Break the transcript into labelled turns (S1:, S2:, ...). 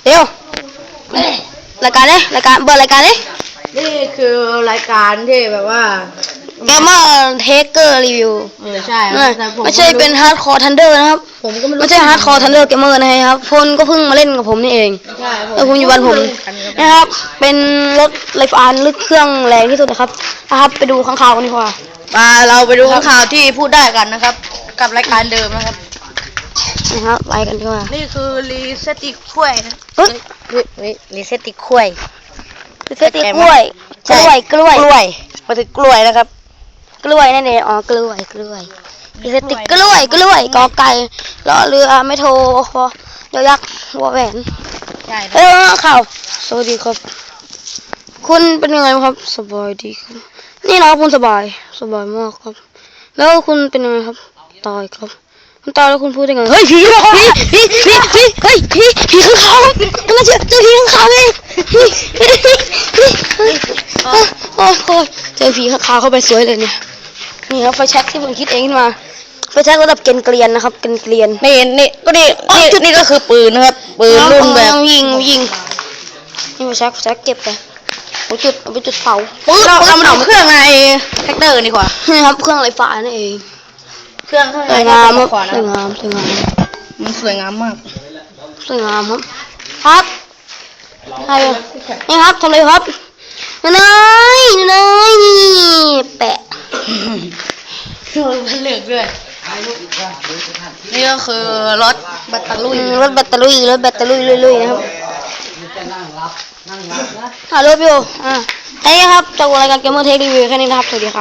S1: เร็วรายการเนี่ยรายการเบอร์รายการเนี่ย
S2: นี่คือรายการที่แบบว่า
S1: เกมเมอร์เทเกอร์รีวิว
S2: ใช่
S1: ไม่ใช่เป็นฮาร์ดคอร์ทันเดอร์นะครับ
S2: ผมก็
S1: ไม่ใช่ฮาร์ดคอร์ทันเดอร์เกมเมอร์นะครับพลก็เพิ่งมาเล่นกับผมนี่เองแล้วคุณอยู่บ้านผมนะครับเป็นรถไฟฟ้าลึกเครื่องแรงที่สุดนะครับไปดูข้างข่าวกันดีกว่า
S2: เราไปดูข้างข่าวที่พูดได้กันนะครับกับรายการเดิมนะครับ
S1: ไปกันดีกว่า
S2: นี่คือรีเซตติกล้วยนะ
S1: รีเซตติกล้วยรีเซตติกล้วยกล้วย
S2: มาถึงกล้วยนะครับ
S1: กล้วยนั่นเองอ๋อกล้วยรีเซตติกกล้วยกอไก่รอเรือไม่โทรพอยอยักษ์วอแหวนข่าวสวัสดีครับคุณเป็นยังไงครับสบายดีครับนี่นะคุณสบายมากครับแล้วคุณเป็นยังไงครับตายครับคุณตายแล้วคุณพูดยังไงเฮ้ยผีข้างคาวคุณมาเจอผีข้างคาวเลยโอ้เจอผีข้างคาวเข้าไปสวยเลยเนี่ยนี่ครับไฟแช็กที่ผมคิดเองขึ้นมาไฟแช็กระดับเกรียนนะครับเกรียน
S2: นี่ก็คือปืนนะครับปืนรุ่นแบบ
S1: ยิงนี่ไฟแช็กเก็บไปเอาไปจุดเผา
S2: เรามาดูเครื่องในแท็กเตอร์ดีกว่า
S1: นี่ครับเครื่องไฟฟ้านั่นเอง
S2: เครื่อง
S1: สวยงาม
S2: มันสวยงามมาก
S1: ครับนี่ครับทำเลยครับนี่แปะ
S2: มันเหลือกด้วยนี่ก็คือรถแบตเตอรี่
S1: ลุยนะครับฮัลโหลพี่โอนี่ครับจากรายการเกมเมอร์เทครีวิวแค่นี้นะครับสวัสดีครับ